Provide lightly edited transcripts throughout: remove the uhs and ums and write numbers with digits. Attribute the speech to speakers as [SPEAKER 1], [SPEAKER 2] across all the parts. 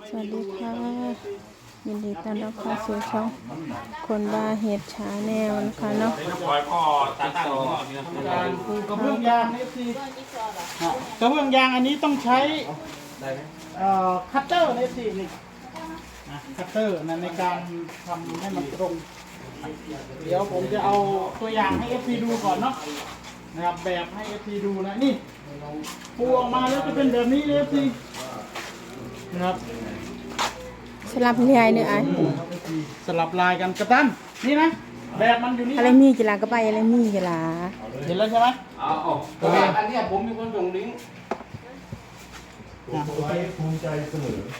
[SPEAKER 1] สวัสดีค่ะยินดีต้อนรับเข้าสู่ช่องคนบ้าเห็ดชาแนลนะคะเนาะ
[SPEAKER 2] กระเบื้องยางนี่คือกระเบื้องยางอันนี้ต้องใช้คัตเตอร์นี่สิคัตเตอร์ในการทำให้มันตรง เดี๋ยวผมจะเอาตัวอย่างให้ FC ดูก่อนเนาะนะครับแบบให้ FC ดูนะนี่ปูออกมาแล้วจะเป็นแบบนี้เลย FC นะครับ
[SPEAKER 1] สลับเรียเนี่ยไอ้
[SPEAKER 2] สลับลายกันกระตันนี่นะแบบมันอยู่นี่
[SPEAKER 1] อะไรมีกีฬาก็ไปอะไรมีกีฬา
[SPEAKER 2] เห็นแล้วใช่ไหม
[SPEAKER 3] เพราะว่าอันเนี้ยผมมีคนส่งลิงก์
[SPEAKER 4] ไว้ภูมิใจเสมอ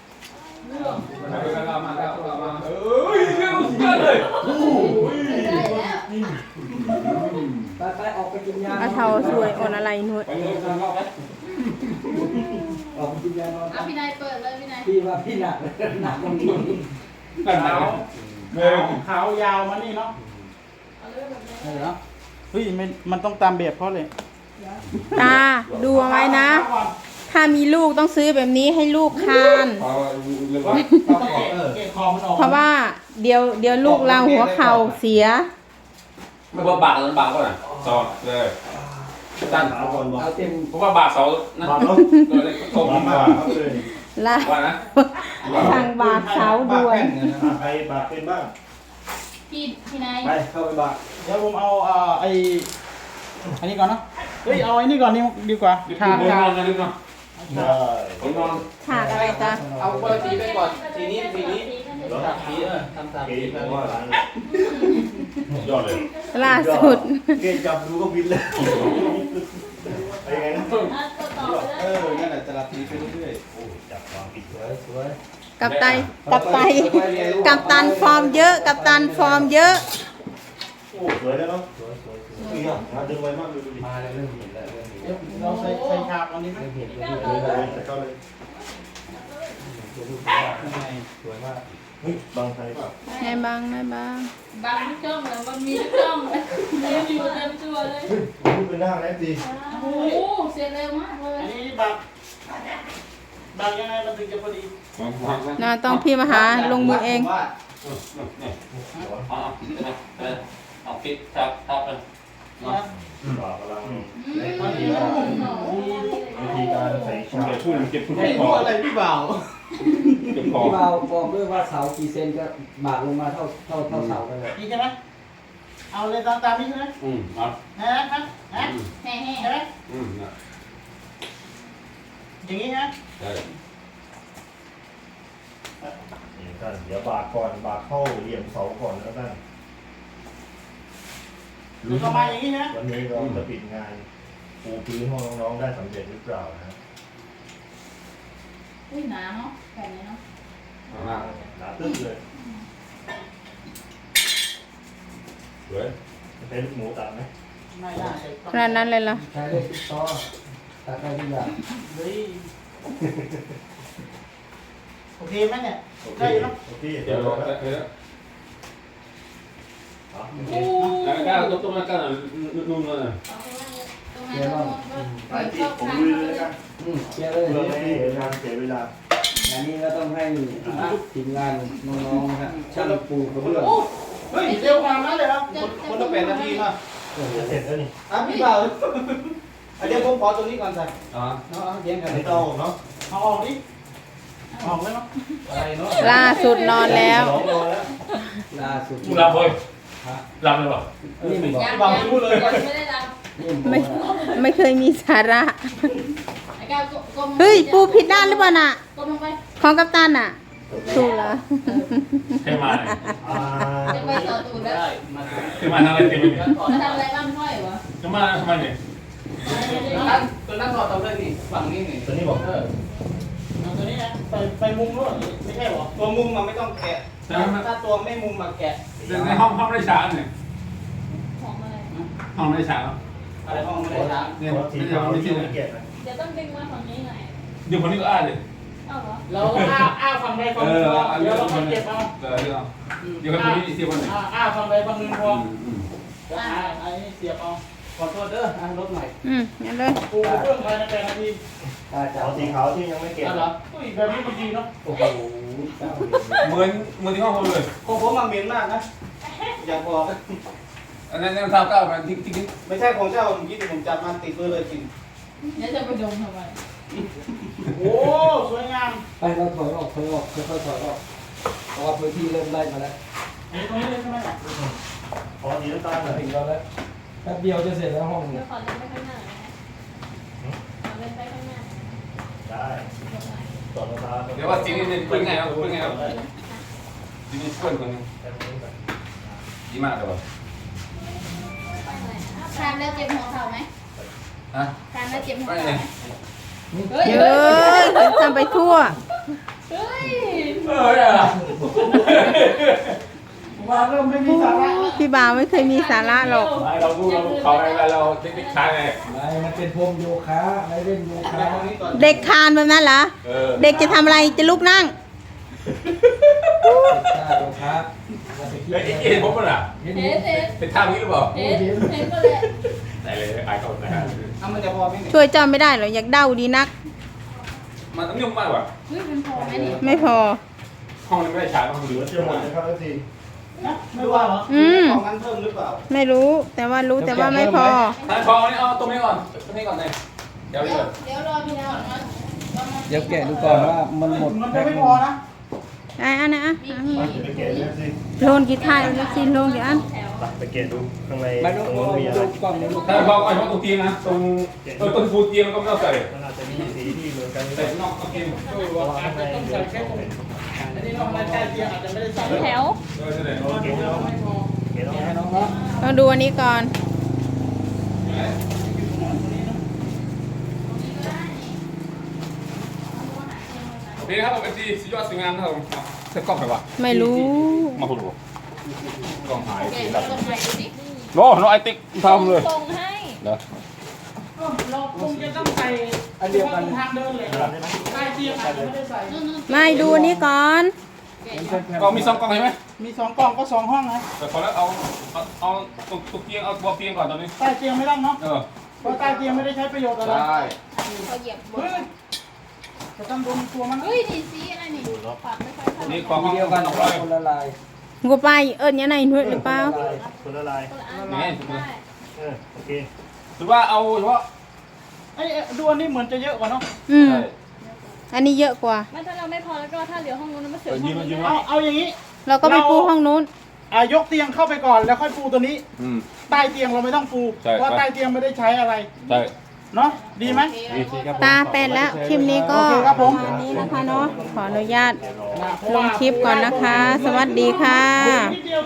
[SPEAKER 3] ไปออกไปกินยา
[SPEAKER 1] อาเทาสวยอ่อนอะไรหนุ่ย
[SPEAKER 3] ไปเลยข้างนอกไหมออกไปกินยานอน
[SPEAKER 5] พี่นายเปิดเลยพี่นาย
[SPEAKER 3] พี่ว่าพี่หนักหนักตรงนี้
[SPEAKER 2] ขาวยาวมานี่เนาะ
[SPEAKER 5] เอาเลยแบบนี้
[SPEAKER 2] เนาะเฮ้ยมันต้องตามแบบเขาเลย
[SPEAKER 1] ตาดูเอาไว้นะ ถ้ามีลูกต้องซื้อแบบนี้ให้ลูกคาน
[SPEAKER 2] ต้องเกะคอมันออก
[SPEAKER 1] เพราะว่าเดี๋ยวลูกเราหัวเข่าเสีย
[SPEAKER 6] ไม่ว่าบาทนั้นบาทก็น่ะสอดเลยตั้น
[SPEAKER 4] เอาก่อนบอก
[SPEAKER 3] เอาเต็ม
[SPEAKER 6] เพราะว่าบาทเสานะ
[SPEAKER 4] บาทรถ
[SPEAKER 6] เลยตก
[SPEAKER 4] บาท
[SPEAKER 6] มา
[SPEAKER 4] เอาเลย
[SPEAKER 1] ละ
[SPEAKER 6] ว่านะ
[SPEAKER 1] ทางบาทเสาด้วย
[SPEAKER 4] ใครบาทเป็นบ้าง
[SPEAKER 5] พี่นาย
[SPEAKER 4] ไปเข้าไปบาท
[SPEAKER 2] เดี๋ยวผมเอาอันนี้ก่อนเนาะเฮ้ยเอาไอ้นี่ก่อนนี่ดีกว่า
[SPEAKER 6] ลึกนอนนะลึกนอน
[SPEAKER 4] ได้
[SPEAKER 6] ผมนอน
[SPEAKER 1] ฉากอะไรตา
[SPEAKER 3] เอาคนละสีไปก่อนสีนี้สีนี้สามสีทำสาม
[SPEAKER 4] เก๋
[SPEAKER 3] สี
[SPEAKER 4] เพราะว่าร้านยอดเลย
[SPEAKER 1] ล่าสุด
[SPEAKER 4] เก๋จับดูก็บินเลยไปยังไงนะ
[SPEAKER 5] ต่อไปเลย
[SPEAKER 3] นั่นแหละจะรับสีไปเรื่อย
[SPEAKER 4] โอ้จับวางปิด
[SPEAKER 3] สวยสวย
[SPEAKER 1] กับไตกับตันฟอร์มเยอะกับตันฟอร์มเยอะ
[SPEAKER 4] โอ้สวยแล้วเนาะ
[SPEAKER 3] สวยสวยสวย
[SPEAKER 4] นี่อ่ะมาดึงไวมากดูดิ
[SPEAKER 3] มาแล้วเริ่มเห็นแล้วเริ่มเห็น
[SPEAKER 2] เดี๋ยวเราใส่ฉากอันนี้ไหม
[SPEAKER 3] เริ่มเห็น
[SPEAKER 4] แต่เข้าเลย
[SPEAKER 3] สวยมาก
[SPEAKER 4] เฮ้ยบางไทยเปล่า
[SPEAKER 1] ให้บ้างให้บ้าง
[SPEAKER 5] บางทุกช่องเลยมันมีทุกช่องเลยเต็มอยู่เต็มตัวเลย
[SPEAKER 4] เฮ้ยพูดเป็นหน้าแล้วสิ
[SPEAKER 5] โอ้โหเสร็จเร็วมากเลย
[SPEAKER 2] อันนี้บางยังไงมันถึงจะพอดี
[SPEAKER 1] นะต้องพี่มาหาลงมือเอง
[SPEAKER 6] เอาปิดทับทับเลย
[SPEAKER 2] นะ
[SPEAKER 4] บาทกำลัง
[SPEAKER 2] มันมี
[SPEAKER 4] วิธีการใส่ชา
[SPEAKER 6] เก็บพูดเก็บพูด
[SPEAKER 2] ไอ้พวกอะไรพี่บ่าว
[SPEAKER 6] เก็บคอ
[SPEAKER 3] พี่เบาบอกด้วยว่าเสากี่เซนก็บากลงมาเท่าเสากันเลย
[SPEAKER 2] นี่ใช่ไหมเอาเลยตามนี้ใช่ไหม
[SPEAKER 6] เอา
[SPEAKER 2] ฮะฮะฮะ
[SPEAKER 5] แห่
[SPEAKER 2] ใช่ไหม
[SPEAKER 6] นะ
[SPEAKER 2] อย่างนี้ฮะ
[SPEAKER 6] ใช่
[SPEAKER 4] นี่ท่านเดี๋ยวบาทก่อนบาทเข้าเหลี่ยมเสาก่อนแล้วท่าน
[SPEAKER 2] แล้วก็มาอย่างนี้นะ
[SPEAKER 4] วันนี้เราจะปิดงานปูพื้นห้องน้องๆได้สำเร็จหรือเปล่านะ
[SPEAKER 5] อุ้ยหนาเนาะแผ่นนี้เนาะ
[SPEAKER 4] หนาตึ้งเลย
[SPEAKER 6] สวย
[SPEAKER 4] เป็นลูกหมูตัดไหม
[SPEAKER 2] ไม่ได้
[SPEAKER 1] ขนาดนั้นเลยเหรอ
[SPEAKER 3] ใช้ได้ทุกต่อตัดได้ทุกอย่าง
[SPEAKER 2] เฮ้ยโอเคไหมเนี่ย
[SPEAKER 4] โอเค
[SPEAKER 2] ได้อยู่เนาะ
[SPEAKER 4] โอเค
[SPEAKER 6] เดี๋
[SPEAKER 4] เดี๋
[SPEAKER 6] ย
[SPEAKER 4] ยว ว
[SPEAKER 6] ร
[SPEAKER 4] ร
[SPEAKER 6] อ
[SPEAKER 4] อ
[SPEAKER 6] แล้
[SPEAKER 4] แล้ว ว
[SPEAKER 6] แล้วก้าวต้มแล้วก้าวนุ่มเลย
[SPEAKER 5] ตรงนั้นก็
[SPEAKER 4] ไปที่ผมลุยเลยแล้วกัน
[SPEAKER 3] เคลียร์เลย
[SPEAKER 4] เพื่อไม่ให้เสียเสียเวลา
[SPEAKER 3] อันนี้ก็ต้องให้ทีมงานน้องๆนะครับช่างปูกระเบื้อง
[SPEAKER 2] เฮ้ยเร็วขนาดนั้นเลยครับ
[SPEAKER 3] คนละ8 นาทีมา
[SPEAKER 4] จะเสร็จแล้วนี่
[SPEAKER 3] พี่เบาเดี๋ยวผมขอตรงนี้ก่อนใส่
[SPEAKER 6] อ๋อ
[SPEAKER 3] เลี้ยงกัน
[SPEAKER 4] ไม่ต้องเนาะ
[SPEAKER 2] เอาออกดิออกเลยเนาะ
[SPEAKER 3] อะไรเนาะ
[SPEAKER 1] ล่าสุดนอนแล้ว
[SPEAKER 4] สองรอแล้ว
[SPEAKER 3] ล่าสุด
[SPEAKER 6] มึงรับเลยรับเลยหรอ
[SPEAKER 3] นี่มันบอก
[SPEAKER 5] ยังไม่ได้รับ
[SPEAKER 3] นี่มัน
[SPEAKER 1] ไม่เคยมีสาระ
[SPEAKER 5] ไอ้ก้าวก้ม
[SPEAKER 1] เฮ้ยปูผิดด้านหรือเปล่าน่ะ
[SPEAKER 5] ก้มลงไป
[SPEAKER 1] ของกัปตันน่ะถูกแล้ว
[SPEAKER 6] เทมา
[SPEAKER 5] จะไปต่อตูดแล้ว
[SPEAKER 6] เทมาทำอะไรเทมา
[SPEAKER 5] จะทำอะไรบ้างค่อยวะ
[SPEAKER 6] เทมาทำไมเนี่ย
[SPEAKER 3] ตัวนั้นถอดตรงเลยนี่ฝั่งนี้นี่
[SPEAKER 4] ตัวนี้บอก
[SPEAKER 2] เอาตัวนี้นะไปมุมนู้นไม่ใช่หรอ
[SPEAKER 3] ตัวมุมมันไม่ต้องแกะถ้าตัวไม่มุมมาแกะ
[SPEAKER 6] ในห้องได้ฉากเนี่ย
[SPEAKER 5] ของอะไร
[SPEAKER 6] ห้องได้ฉาก
[SPEAKER 3] อะไรห้องไม่ได้ช้า
[SPEAKER 6] เนี่ย
[SPEAKER 4] เพราะสี
[SPEAKER 6] ไม่
[SPEAKER 4] ขาว
[SPEAKER 6] ใช่
[SPEAKER 4] ที่ไม่เกียดนะ
[SPEAKER 5] เดี๋ยวต้องดึงมาฝั่งนี้หน่อย
[SPEAKER 6] เดี๋ยวคนนี้ก็อ้าเลย
[SPEAKER 5] เอ้าเหรอ
[SPEAKER 2] เราอ้าฝั่งใดฝั่งหนึ่งพอเดี๋ยวเราไปเก็บเอา
[SPEAKER 6] เดี๋ยวคนนี้เสียวันไหน
[SPEAKER 2] อ้าฝั่งใดฝั่งหนึ่งพอเดี๋ยวไอ้นี่เสียบเอาขอโทษเด้อรถใหม่
[SPEAKER 1] งั้นเลย
[SPEAKER 2] ปูกระเบื้องภายใน8 นาที
[SPEAKER 3] ตาจับ
[SPEAKER 4] เอาสีขาวที่ยังไม่เก็บ
[SPEAKER 2] เหรออุ้ยแบบนี้มันดีเนาะ
[SPEAKER 3] โอ้โหเจ้า
[SPEAKER 6] เหมือนที่ห้องผมเลย
[SPEAKER 2] ของผมมันเหม็นมากนะอยากบอก
[SPEAKER 6] อันนั้นเท้าเก้ามันทิ้ง
[SPEAKER 2] ไม่ใช่ของเจ้าเมื่อกี้ที่ผมจับมาติดมือเลยจริง
[SPEAKER 5] เนี่ยจะไปดมทำไม
[SPEAKER 2] โอ้สวยงาม
[SPEAKER 3] ไปเราถอยออกค่อยๆถอยออกเพราะว่าพื้นที่เริ่มได้มาแล้ว
[SPEAKER 2] นี่ตรงนี้เลยใช่ไหม
[SPEAKER 4] ขอสีน้ำตาลหน่อย
[SPEAKER 3] ถึงเราแล้วแป๊บเดียวจะเสร็จแล้วห้อง
[SPEAKER 5] เดี๋
[SPEAKER 3] นี้
[SPEAKER 5] ยวขอเล่นไปข้างหน้าขอเล่นไปข้างหน้า
[SPEAKER 4] ได้ต่อน้ำตาล
[SPEAKER 6] เดี๋ยวว่าจริงนี่เป็นไงครับเป็นไงครับจริงนี่เพื่อนคนนึงดีมากเลยว่ะ
[SPEAKER 5] ทานแล้วเจ็บหัวเข่าไหม
[SPEAKER 6] ฮะ
[SPEAKER 5] ทานแล้วเจ็บหัว
[SPEAKER 6] ไม่
[SPEAKER 5] เข่า
[SPEAKER 6] ไง
[SPEAKER 5] ไหมเฮ้ย
[SPEAKER 1] เยอะทำไปทั่ว
[SPEAKER 5] เฮ้ย
[SPEAKER 6] อะไร
[SPEAKER 2] มาเริ่มไม่มีสาระแล้ว
[SPEAKER 1] พี่บ่าวไม่เคยมีสาระหรอก
[SPEAKER 6] เราดูเขาอะไรเราเด็กๆชายไง
[SPEAKER 3] ไม่มันเป็นพรมโยคะไม่เล่นโยคะ
[SPEAKER 2] ตรงนี้ก่อน
[SPEAKER 1] เด็กคานแบบนั้นเหรอ เด็กจะทำอะไรจะลุกนั่ง
[SPEAKER 3] โยคะเราไปคิด
[SPEAKER 6] แล้วเห็นผมป่ะล่ะ
[SPEAKER 3] เห็น
[SPEAKER 5] เห็นเห็น
[SPEAKER 6] เป็นท่านี้หรือเปล่า
[SPEAKER 5] เห็นเห็นก็เลย
[SPEAKER 6] ได้เลยอายเขานะฮะ
[SPEAKER 2] มันจะพอไหมเนี่ย
[SPEAKER 1] ช่วยเจ้าไม่ได้หรอกอยากเด้าดีนัก
[SPEAKER 6] มันต้องยุ่งมากกว่า
[SPEAKER 5] เฮ้ยมันพอไหมนี่
[SPEAKER 1] ไม่พอ
[SPEAKER 6] ห้องนี้ไม่ได้ฉายต้อง
[SPEAKER 4] เห
[SPEAKER 6] ดู
[SPEAKER 4] ลือเชื่อหมดนะครับที
[SPEAKER 2] นะไม่ว่าเหรอ
[SPEAKER 1] อืม
[SPEAKER 2] ของนั้นเพิ่มหรือเปล่า
[SPEAKER 1] ไม่รู้แต่ว่ารู้แต่ว่าไม่พอ
[SPEAKER 6] ทางทองนี่เอาตรงนี้ก่อนตรงนี้ก่อนเลยเดี๋ยว
[SPEAKER 5] เดี๋ยวรอพี่ก่อนนะ
[SPEAKER 3] เดี๋ยวแกะดูก่อนว่ามันหมด
[SPEAKER 2] มัน
[SPEAKER 3] แพ็
[SPEAKER 2] จะ
[SPEAKER 3] ค
[SPEAKER 2] ไม่พอนะ
[SPEAKER 1] อันนะ
[SPEAKER 4] ไปเก็บดูสิ
[SPEAKER 1] โลนกี่ท่ายแล้วสิโลนกี่อัน
[SPEAKER 4] ไปเก็บดูข้างใน
[SPEAKER 3] ไม่
[SPEAKER 4] ต
[SPEAKER 3] ต้
[SPEAKER 4] ร
[SPEAKER 3] อง
[SPEAKER 4] งนู้นมีอะไร
[SPEAKER 3] ดูกล้องในลูก
[SPEAKER 6] ทางทองเอาเฉพาะตรงเตียงนะตรงต้นฟูเตียงก็ไม่ต้องใส่
[SPEAKER 4] มันอาจจะมีสีที่เหมือนกัน
[SPEAKER 6] ใส่นอกเตียง
[SPEAKER 2] เออว่าอาจจะต้องใส่แค่ตรงอันนี้นอกรายใต้เตียงอาจจะไม่ได้ใส่
[SPEAKER 5] แถว
[SPEAKER 6] ใช่ไหม
[SPEAKER 4] โอเคแล้ว
[SPEAKER 2] ไม่พอ
[SPEAKER 4] เก็บแล้ว
[SPEAKER 3] ให้น้องเนาะ
[SPEAKER 1] ต้องดูอันนี้ก่อน
[SPEAKER 6] โอเคครับผมเป็นที่สุดยอดสวยงามนะครับผมเซ็ตกล้องไปวะ
[SPEAKER 1] ไม่รู้
[SPEAKER 6] มาคุณดูกล้องหาย
[SPEAKER 5] แกะเราลงไปดูสิ
[SPEAKER 6] โน้น้องไอติ๊กทำเลย
[SPEAKER 5] ส่งให้
[SPEAKER 6] เนอะ
[SPEAKER 2] เราคงจะต้องใส่อันเดียวกันทางเดินเลยใต้เตียงอาจจะไม่ได้ใส่
[SPEAKER 1] ไม่ดูอันนี้ก่อน
[SPEAKER 6] กล้องมี2กล้องใช่ไหม
[SPEAKER 2] มี2 กล่องก็ 2 ห้องนะ
[SPEAKER 6] แต่พอแล้วเอาตรงเตียงเอาบนเตียงก่อนตอนนี้
[SPEAKER 2] ใต้เตียงไม่ต้องเนาะ
[SPEAKER 6] เออ
[SPEAKER 2] เพราะใต้เตียงไม่ได้ใช้ประโยชน์อะไร
[SPEAKER 6] ใช่
[SPEAKER 5] เขาเหยียบบน
[SPEAKER 2] เฮ้ยจะต้องโดนตัวมัน
[SPEAKER 5] เฮ้ยนี่สีอะไรนี่ปากไม่ค่อยเท่าไหร่
[SPEAKER 6] นี่กล้อง
[SPEAKER 3] ทีเดียวกัน
[SPEAKER 6] 200
[SPEAKER 3] คนละลาย
[SPEAKER 1] กูไปยังไงหนุ่ยหรือเปล่า
[SPEAKER 4] คนละลาย
[SPEAKER 5] คนละอัน
[SPEAKER 6] นี่
[SPEAKER 5] ได้
[SPEAKER 4] โอเค
[SPEAKER 6] หรือว่าเอาเฉพาะ
[SPEAKER 2] ไอ้ดูอันนี้เหมือนจะเยอะกว่าเนาะ
[SPEAKER 1] อันนี้เยอะกว่า
[SPEAKER 5] ไม่ถ้าเราไม่พอแล้วก็ถ้าเหลือห้องนู้นมันเสือห้องนี้
[SPEAKER 2] เอาอย่างนี้
[SPEAKER 1] เราก็ไปปูห้องนู้น
[SPEAKER 2] ยกเตียงเข้าไปก่อนแล้วค่อยปูตัวนี้
[SPEAKER 6] อืม
[SPEAKER 2] ใต้เตียงเราไม่ต้องปู
[SPEAKER 6] ใช่
[SPEAKER 2] เพราะใต้เตียงไม่ได้ใช้อะไร
[SPEAKER 6] ใช่
[SPEAKER 2] เนาะดีไหม
[SPEAKER 1] ตาเป็นแล้ว คลิปนี้ก็
[SPEAKER 2] โอเคครับผม
[SPEAKER 1] ประมาณนี้นะคะเนาะ ขออนุญาตลงคลิปก่อนนะคะ สวัสดีค่ะ
[SPEAKER 2] นิดเดียว